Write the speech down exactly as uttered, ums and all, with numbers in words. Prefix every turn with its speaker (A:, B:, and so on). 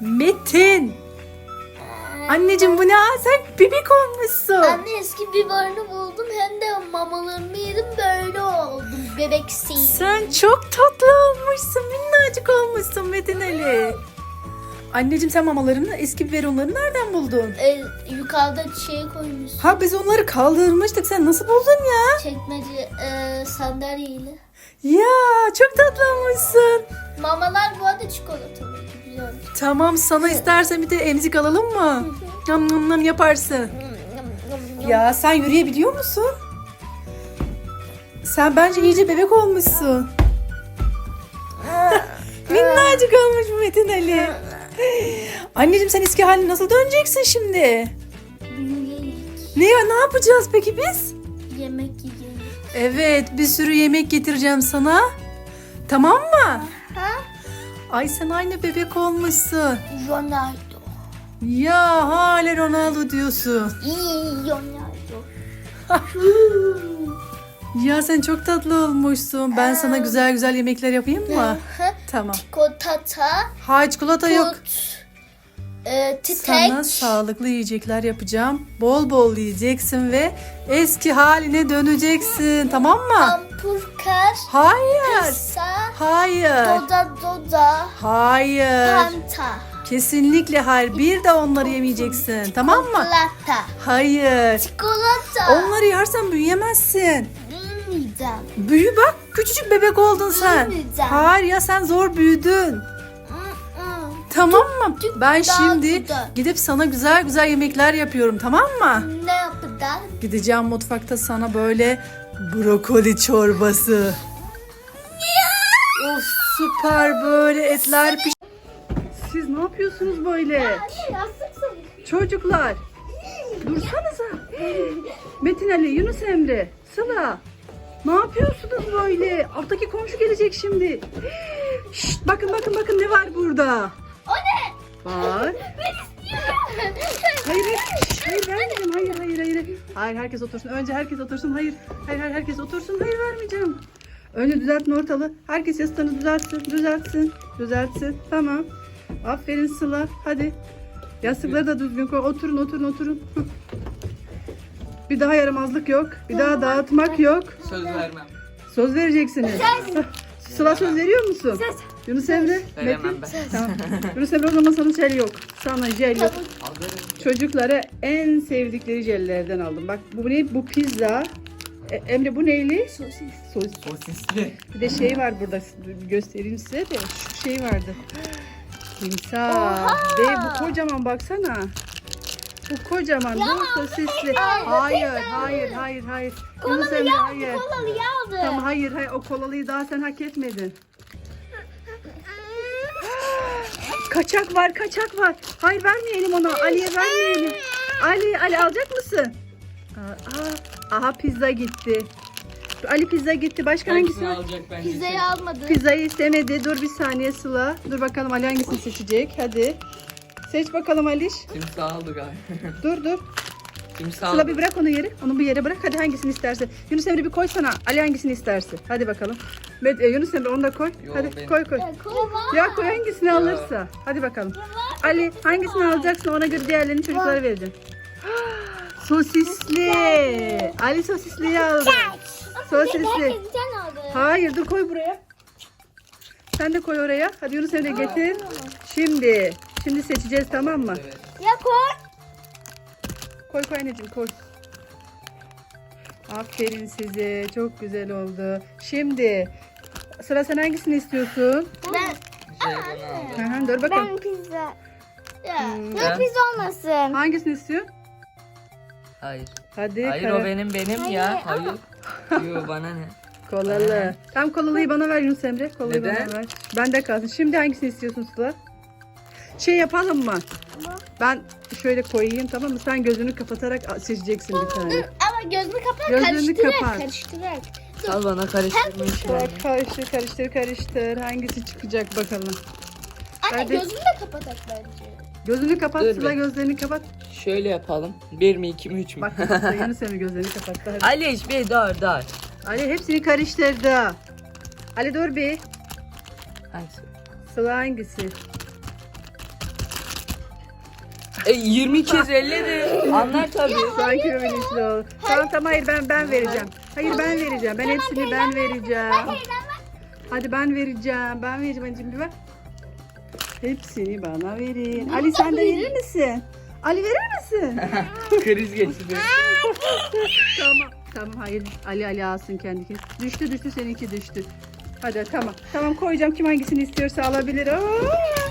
A: Metin. Anneciğim bu ne? Aa, sen bebek olmuşsun.
B: Anne eski biberini buldum hem de mamalarımı yedim böyle oldum bebeksiyim.
A: Sen çok tatlı olmuşsun. Minnacık olmuşsun Metin Ali. Anneciğim sen mamalarını, eski biberonları nereden buldun?
B: Ee, yukarıda şey koymuşsun.
A: Ha biz onları kaldırmıştık. Sen nasıl buldun ya?
B: Çekmece e, sandalyeyle.
A: Ya çok tatlı olmuşsun.
B: Mamalar bu arada çikolatalı. Güzel.
A: Tamam sana istersen bir de emzik alalım mı? Nam nam nam yaparsın. Ya sen yürüyebiliyor musun? Sen bence iyice bebek olmuşsun. Minnacık olmuş bu Metin Ali. Anneciğim sen eski haline nasıl döneceksin şimdi?
B: Büyüyerek
A: Ne ya ne yapacağız peki biz?
B: yemek yiyeceğim.
A: Evet bir sürü yemek getireceğim sana. Tamam mı?
B: Ha?
A: Ay sen aynı bebek olmuşsun.
B: Ronaldo.
A: Ya hala Ronaldo diyorsun.
B: İyi Ronaldo.
A: Ya sen çok tatlı olmuşsun. Ben sana güzel güzel yemekler yapayım mı? Tamam.
B: Çikolata.
A: Hayır çikolata yok.
B: Tut. E, titek.
A: Sana sağlıklı yiyecekler yapacağım. Bol bol yiyeceksin ve eski haline döneceksin. Tamam mı?
B: Hamburger.
A: Hayır.
B: Pizza.
A: Hayır.
B: Doda doda.
A: Hayır.
B: Panta.
A: Kesinlikle hayır. Bir de onları yemeyeceksin. Tamam mı?
B: Çikolata.
A: Hayır.
B: Çikolata.
A: Onları yersen büyüyemezsin.
B: Bilmeyeceğim.
A: Büyü bak. Küçücük bebek oldun sen.
B: Büyümeyeceğim.
A: Hayır ya sen zor büyüdün. Tamam mı? Ben
B: daha
A: şimdi
B: güzel.
A: gidip sana güzel güzel yemekler yapıyorum. Tamam mı?
B: Ne yapacağız?
A: Gideceğim mutfakta sana böyle brokoli çorbası. Of süper böyle etler piş. Siz ne yapıyorsunuz böyle? Çocuklar. Dursanıza. Metin Ali, Yunus Emre, Sıla. Ne yapıyorsunuz böyle? Alttaki komşu gelecek şimdi. Şşt, bakın bakın bakın ne var burada?
B: O ne?
A: Var.
B: Ben istiyorum.
A: Hayır, hayır, şşt, hayır vermeyeceğim. Hayır, hayır, hayır. Hayır, herkes otursun. Önce herkes otursun. Hayır, hayır, hayır, herkes otursun. Hayır, vermeyeceğim. Önce düzeltin ortalığı. Herkes yastığını düzeltsin, düzeltsin, düzeltsin. Tamam. Aferin Sıla. Hadi. Yastıkları da düzgün koy. Oturun, oturun, oturun. Hı. Bir daha yaramazlık yok. Bir daha dağıtmak yok.
C: Söz vermem.
A: Söz vereceksiniz. Sıla söz veriyor musun? Yunus Emre,
C: Veremem
A: Metin.
C: ben.
A: Tamam. Yunus Emre o zaman sana jel yok. Sana jel yok.
C: Alırım.
A: Çocuklara en sevdikleri jellerden aldım. Bak bu ne? Bu pizza. E, Emre bu neyli?
B: Sosis.
A: Sos.
C: Sosisli.
A: Bir de şey var burada. Göstereyim size de. Şu şey vardı. Timsah. Ve bu kocaman baksana. Bu kocaman. Bu sosisli. Hayır, hayır, hayır, hayır. Yunus Emre hayır.
B: Kolalıyı aldı.
A: Tamam hayır, hayır. O kolalıyı daha sen hak etmedin. Kaçak var, kaçak var. Hayır vermeyelim ona. Ali'ye vermeyelim. Ali, Ali alacak mısın? Aa, aha pizza gitti. Ali pizza gitti. Başka hangisi
C: Hangisini
A: var?
C: alacak bence?
B: Pizzayı almadı.
A: Pizzayı istemedi. Dur bir saniye Sıla. Dur bakalım Ali hangisini seçecek. Hadi. Seç bakalım Aliş.
C: Timsah aldı galiba.
A: Dur dur.
C: Timsah
A: Sıla
C: aldı.
A: bir bırak onu yere. Onu bir yere bırak. Hadi hangisini istersen. Yunus Emre bir koy sana. Ali hangisini istersin. Hadi bakalım. Med- e, Yunus Emre onu da koy.
C: Yo,
A: Hadi
C: benim.
A: koy koy.
B: Kola.
A: Ya koy hangisini alırsa. Hadi bakalım. Ali hangisini alacaksın ona göre diğerlerini çocuklara vereceğim. Sosisli. Ali sosisliyi aldı. Sosisli.
B: Herkes bir tane aldı.
A: Hayır dur koy buraya. Sen de koy oraya. Hadi Yunus Emre getir. Şimdi. Şimdi seçeceğiz tamam mı?
C: Evet.
B: Ya koy.
A: Koy koy anneciğim koy. Aferin size. Çok güzel oldu. Şimdi. Sıra sen hangisini istiyorsun?
B: Ben.
C: Şey bunu aldı.
A: Hı hı, dur bakalım.
B: Ben pizza. Ya.
A: Hmm.
B: Ya pizza olmasın.
A: Hangisini istiyorsun?
C: Hayır.
A: Hadi.
C: Hayır
A: karar-
C: o benim benim ya. Hayır. Yo bana ne?
A: Kolalı. Tam kolalıyı bana ver Yunus Emre. Kolayı
C: Neden?
A: bana ver. Bende kalsın. Şimdi hangisini istiyorsun Sıla? Şey yapalım mı? Ben şöyle koyayım tamam mı? Sen gözünü kapatarak seçeceksin bir tane.
B: Ama gözünü kapat,
A: Gözünü
B: karıştırarak,
A: kapat.
B: karıştırarak.
C: Al bana karıştırma işini.
A: Bak karıştır karıştır karıştır. Hangisi çıkacak bakalım.
B: Anne
A: Hadi.
B: gözünü de kapatak bence.
A: Gözünü kapat
C: Dur
A: Sıla
C: be.
A: gözlerini kapat.
C: Şöyle yapalım. Bir mi iki mi üç mü?
A: Bak kapattı. Yunus Emre gözlerini kapattı. Hadi.
C: Aliş bir dur dur.
A: Ali hepsini karıştırdı. Ali dur bir.
C: Hangisi?
A: Sıla hangisi?
C: E, yirmi kez elledim. Anlar tabii.
A: Sakin ol bilinçli ol. Tamam tamam hayır ben ben vereceğim. Hayır ben vereceğim. Ben hepsini ben vereceğim. Hadi ben vereceğim. Ben vereceğim anneciğim bir ver. Hepsini bana verin. Ali sen de verir misin? Ali verir misin?
C: Kriz geçti.
A: Tamam. Tamam hayır. Ali Ali alsın kendi kendine. Düştü düştü seninki düştü. Hadi tamam. Tamam koyacağım. Kim hangisini istiyorsa alabilir. Oo!